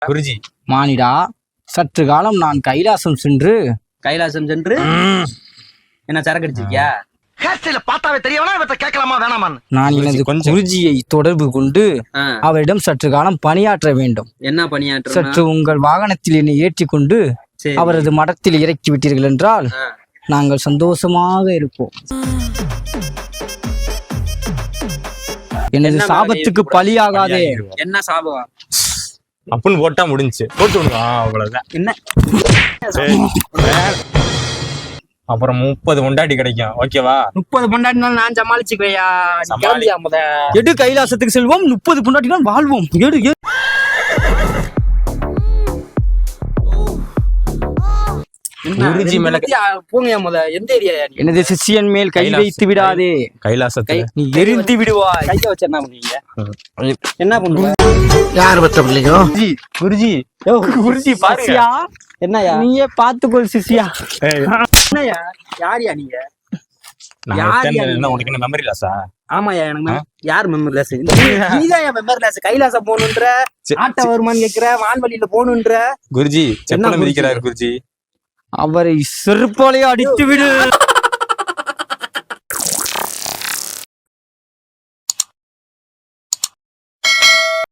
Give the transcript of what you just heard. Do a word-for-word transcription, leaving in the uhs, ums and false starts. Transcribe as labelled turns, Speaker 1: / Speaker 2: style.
Speaker 1: குருஜி
Speaker 2: மானிடா, சற்று காலம் நான் கைலாசம் சென்று
Speaker 3: கைலாசம் சென்று என்ன சரக்கு அடிச்சிருக்கியா?
Speaker 4: பார்த்தாவே தெரியவனா இவற்றை கேட்கலாமா வேணாமான்னு
Speaker 2: நான் எனது குருஜியை தொடர்பு கொண்டு அவரிடம் சற்று காலம் பணியாற்ற வேண்டும்.
Speaker 3: என்ன பணியாற்ற?
Speaker 2: சற்று உங்கள் வாகனத்தில் என்னை ஏற்றி கொண்டு அவரது மடத்தில் இறக்கி விட்டீர்கள் என்றால் நாங்கள் சந்தோஷமாக இருப்போம். எனது சாபத்துக்கு பலியாகாதே.
Speaker 3: என்ன சாபம்?
Speaker 1: அப்புன்னு போட்டா முடிஞ்சு போட்டு விடுவா, அவ்வளவுதான்.
Speaker 3: என்ன
Speaker 1: அப்புறம் முப்பது பொண்டாட்டி கிடைக்கும். ஓகேவா?
Speaker 3: முப்பது பொண்டாட்டினாலும் நான் சமாளிச்சுக்கையா.
Speaker 2: எடு கைலாசத்துக்கு செல்வோம், முப்பது பொண்டாட்டினால் வாழ்வோம். எடு எடு.
Speaker 1: குருஜி மேல
Speaker 3: போங்க முத. எந்த ஏரியா?
Speaker 2: எனது சிஷியன் மேல் கை வைத்து விடாதே.
Speaker 1: கைலாசத்தை
Speaker 2: நீ எரிந்து விடுவாய்.
Speaker 3: கைய வச்சு என்ன பண்ணுவீங்க? என்ன பண்ணுவீங்க?
Speaker 4: யார் பத்த பிள்ளைங்க?
Speaker 1: குருஜி
Speaker 2: குருஜி பாருங்க.
Speaker 3: என்னயா
Speaker 2: நீயே பாத்துக்கொள் சிஷியா.
Speaker 3: என்னயா? யாரியா நீங்க?
Speaker 1: உனக்கு என்ன மெமரி லாஸா?
Speaker 3: ஆமாயா, எனக்கு யார் மெமரி லாஸ்? நீதான் மெமரி லாஸ். கைலாசம் போகணுன்ற, ஆட்ட வருமானு கேக்குற, வான்வழியில போகணுன்ற.
Speaker 1: குருஜி செப்பல மிதிக்கிறாரு குருஜி.
Speaker 2: அவரை செருப்பாலே அடித்து விடு.